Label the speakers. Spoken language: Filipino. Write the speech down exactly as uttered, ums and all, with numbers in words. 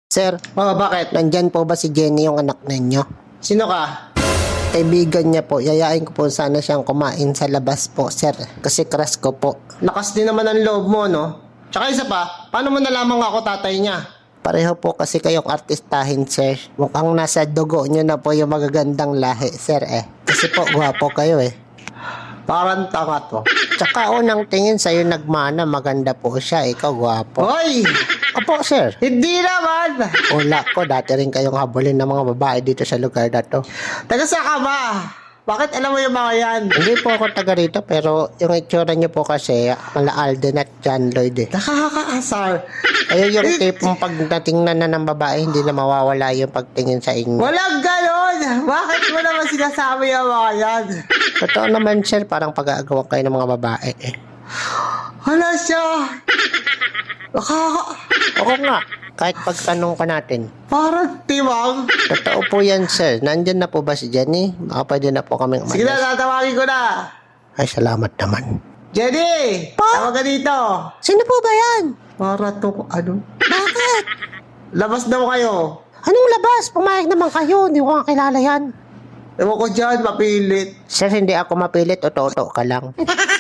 Speaker 1: Sir,
Speaker 2: Oh, bakit?
Speaker 1: nandyan po ba si Jenny yung anak ninyo?
Speaker 2: Sino ka?
Speaker 1: Kaibigan niya po, yayain ko po sana siyang kumain sa labas po, sir. Kasi crush ko po.
Speaker 2: Lakas din naman ang loob mo, no? Tsaka isa pa, paano mo nalaman ako tatay niya?
Speaker 1: Pareho po kasi kayong artistahin, sir. Mukhang nasa dugo niyo na po yung magagandang lahi, sir eh. Kasi po, gwapo kayo eh.
Speaker 2: Parang tanga to.
Speaker 1: Tsaka unang tingin sa'yo nagmana, maganda po siya. Ikaw gwapo.
Speaker 2: Hoy!
Speaker 1: Opo, sir.
Speaker 2: Hindi naman!
Speaker 1: Wala po, dati rin kayong habulin ng mga babae dito sa lugar na to.
Speaker 2: Taga sa ka ba? Bakit alam mo yung mga yan?
Speaker 1: Hindi po ako taga rito, pero yung itsura niyo po kasi, mala Alden at John Lloyd eh.
Speaker 2: Nakakaasar.
Speaker 1: Kaya yung tipong pag natingnan na ng babae, hindi na mawawala yung pagtingin sa inyo.
Speaker 2: Walang ganon! Bakit mo naman sinasabi yung mga yan?
Speaker 1: Totoo naman, sir, parang pag-aagawan kayo ng mga babae eh.
Speaker 2: Hala siya! Nakaka...
Speaker 1: Oo nga, kahit pagtanong ka natin.
Speaker 2: Parang tiwang.
Speaker 1: Totoo po yan, sir. Nandyan na po ba si Jenny? Baka pwede na po kaming
Speaker 2: Sige na,
Speaker 1: umalis.
Speaker 2: tatawagin ko na.
Speaker 1: Ay, salamat naman.
Speaker 2: Jenny!
Speaker 1: Pa?
Speaker 2: Tawag ka dito.
Speaker 1: Sino po ba yan?
Speaker 2: Para to, ano?
Speaker 1: Bakit?
Speaker 2: Labas daw kayo.
Speaker 1: Anong labas? Pumayag naman kayo. Hindi ko nga kilala yan.
Speaker 2: Ewan ko dyan, mapilit.
Speaker 1: Sir, hindi ako mapilit o toto ka lang.